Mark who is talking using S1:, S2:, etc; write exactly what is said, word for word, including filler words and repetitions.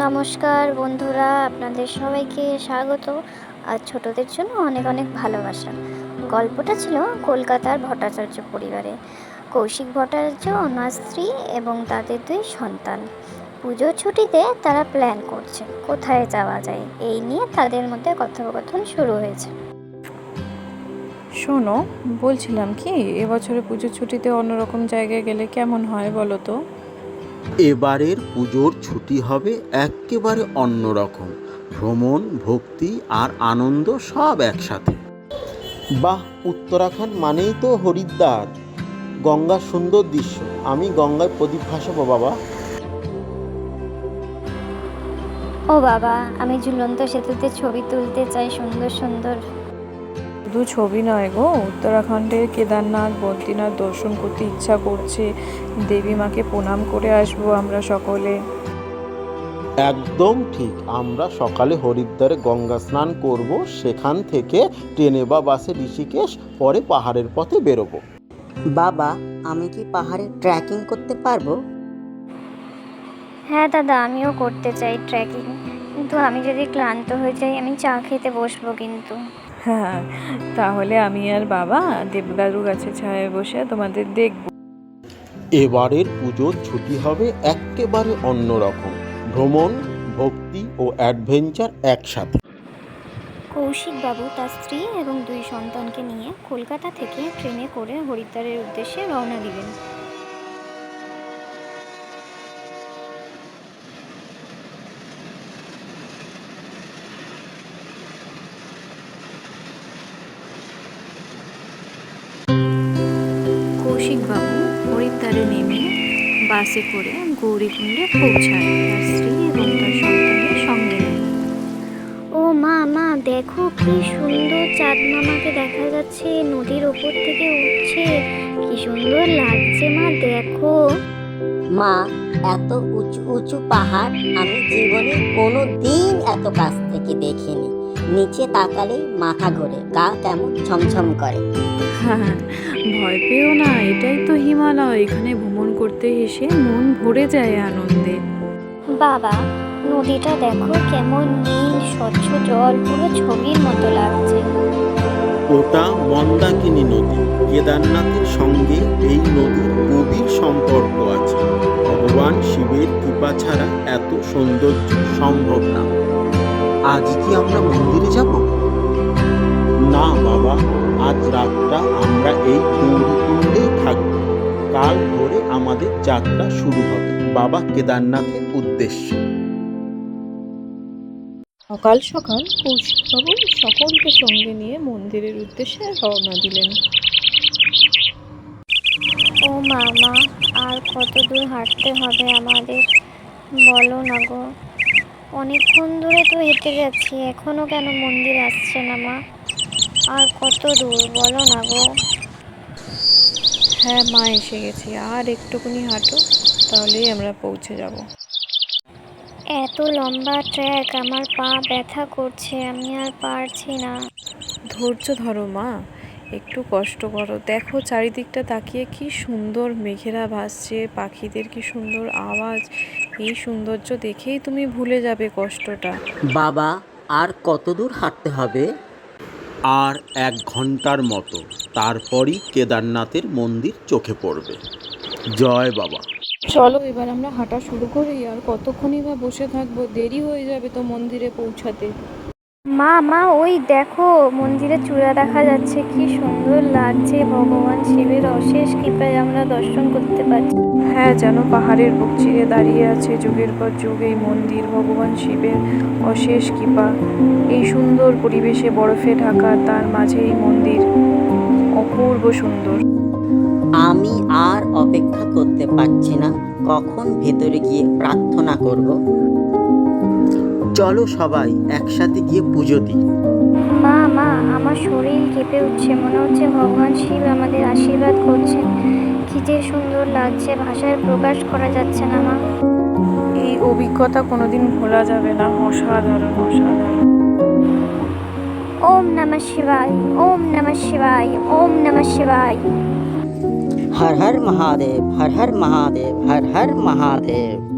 S1: নমস্কার বন্ধুরা, আপনাদের সবাইকে স্বাগত। আর ছোটদের জন্য অনেক অনেক ভালোবাসা। গল্পটা ছিল কলকাতার ভট্টাচার্য পরিবারে। কৌশিক ভট্টাচার্য, ওনার স্ত্রী এবং তাদের দুই সন্তান। পুজোর ছুটিতে তারা প্ল্যান করছে কোথায় যাওয়া যায়, এই নিয়ে তাদের মধ্যে কথোপকথন শুরু হয়েছে।
S2: শোনো, বলছিলাম কি, এবছরে পুজোর ছুটিতে অন্যরকম জায়গায় গেলে কেমন হয় বলো তো?
S3: এবারের পুজোর ছুটি হবে একেবারে অন্যরকম। ভ্রমণ, ভক্তি আর আনন্দ সব একসাথে। বাহ, উত্তরাখণ্ড মানেই তো হরিদ্বার, গঙ্গার সুন্দর দৃশ্য। আমি গঙ্গায় প্রদীপ ভাসাবো বাবা।
S1: ও বাবা, আমি ঝুলন্ত সেতুতে ছবি তুলতে চাই সুন্দর সুন্দর।
S2: শুধু ছবি নয় গো, উত্তরাখণ্ডের কেদারনাথ, বদ্রীনাথ দর্শন করতে ইচ্ছা করছে। দেবী মাকে প্রণাম করে আসবো আমরা সকলে।
S3: একদম ঠিক। আমরা সকালে হরিদ্বারে গঙ্গা স্নান করব, সেখান থেকে ট্রেনে বা বাসে ঋষিকেশ, পরে পাহাড়ের পথে বেরোবো।
S4: বাবা, আমি কি পাহাড়ে ট্রেকিং করতে পারবো?
S1: হ্যাঁ দাদা, আমিও করতে চাই ট্রেকিং, কিন্তু আমি যদি ক্লান্ত হয়ে যাই আমি চা খেতে বসবো কিন্তু।
S2: হ্যাঁ, তাহলে আমি আর বাবা দেবদারু গাছের ছায়ায় বসে তোমাদের দেখব।
S3: এবারের পুজোর ছুটি হবে একেবারে অন্যরকম। ভ্রমণ, ভক্তি ও অ্যাডভেঞ্চার একসাথে।
S1: কৌশিক বাবু তার স্ত্রী এবং দুই সন্তানকে নিয়ে কলকাতা থেকে ট্রেনে করে হরিদ্বারের উদ্দেশ্যে রওনা দিলেন। কৌশিক বাবু হরিদ্বারে নেমে বাসে করে গৌরীকুণ্ডে পৌঁছায় তার স্ত্রী এবং তার সন্তানের সঙ্গে নেয়। ও মা, মা দেখো কি সুন্দর চাঁদ মামাকে দেখা যাচ্ছে, নদীর ওপর থেকে উঠছে, কি সুন্দর লাগছে মা, দেখো।
S4: মা, এত উঁচু উঁচু পাহাড় আমি জীবনে কোনো দিন এত কাছ থেকে দেখিনি। নিচে তাকালেই মাথা ঘোরে, গা কেমন ছমছম করে।
S2: হ্যাঁ, ভয় পেও না, এটাই তো হিমালয়। এখানে ভ্রমণ করতে এসে মন ভরে যায় আনন্দে।
S1: বাবা, নদীটা দেখো কেমন নীল স্বচ্ছ জল, পুরো ছবির মতো লাগছে।
S3: ওটা মন্দাকিনী নদী। কেদারনাথের সঙ্গে এই নদীর গভীর সম্পর্ক আছে। ভগবান শিবের কৃপা ছাড়া এত সৌন্দর্য সম্ভব না। আজ কি আমরা মন্দিরে যাব? না বাবা, আজ রাতটা আমরা এই গৌরীকুণ্ডেই থাকব। কাল ভোরে আমাদের যাত্রা শুরু হবে বাবা কেদারনাথের উদ্দেশ্যে।
S2: সকাল সকাল কৌশিকবাবু সকলকে সঙ্গে নিয়ে মন্দিরের উদ্দেশ্যে রওনা দিলেন।
S1: ও মামা, আর কত দূর হাঁটতে হবে আমাদের বলো না গো। অনেকক্ষণ ধরে তো হেঁটে যাচ্ছি, এখনো কেন মন্দির আসছে না মা? আর কত দূর বলো না গো।
S2: হ্যাঁ মা, এসে গেছি, আর একটুখানি হাঁটো, তাহলেই আমরা পৌঁছে যাব।
S1: এত লম্বা ট্র্যাক, আমার পা ব্যথা করছে, আমি আর পারছি না।
S2: ধৈর্য ধরো মা, একটু কষ্ট করো। দেখো চারিদিকটা তাকিয়ে কি সুন্দর মেঘেরা ভাসছে, পাখিদের কি সুন্দর আওয়াজ। এই সৌন্দর্য দেখেই তুমি ভুলে যাবে কষ্টটা।
S4: বাবা, আর কত দূর হাঁটতে হবে?
S3: আর এক ঘন্টার মতো, তারপরই কেদারনাথের মন্দির চোখে পড়বে। জয় বাবা।
S2: চলো এবার আমরা হাঁটা শুরু করি। আর কতক্ষণই বা বসে থাকবো, দেরি হয়ে যাবে তো মন্দিরে পৌঁছাতে।
S1: মা, মা ওই দেখো মন্দিরের চূড়া দেখা যাচ্ছে, কি সুন্দর লাগছে। ভগবান শিবের অশেষ কৃপায় আমরা দর্শন করতে পারছি।
S2: হ্যাঁ, যেন পাহাড়ের বুক চিরে দাঁড়িয়ে আছে যুগের পর যুগ এই মন্দির। ভগবান শিবের অশেষ কৃপা। এই সুন্দর পরিবেশে বরফে ঢাকা, তার মাঝে এই মন্দির অপূর্ব সুন্দর।
S4: আমি আর অপেক্ষা করতে পারছি না, কখন ভেতরে গিয়ে প্রার্থনা করব। চলো সবাই একসাথে গিয়ে পুজো দিই।
S1: মা, মা আমার শরীর কেঁপে উঠছে, মনে হচ্ছে ভগবান শিব আমাদের আশীর্বাদ করছেন। কি যে সুন্দর লাগছে, ভাষায় প্রকাশ করা যাচ্ছে না মা।
S2: এই অভিজ্ঞতা কোনোদিন ভোলা যাবে না। অসাধারণ, অসাধারণ।
S1: ওম নমঃ শিবায়, ওম নমঃ শিবায়, ওম নমঃ শিবায়।
S4: হর হর মহাদেব, হর হর মহাদেব, হর হর মহাদেব।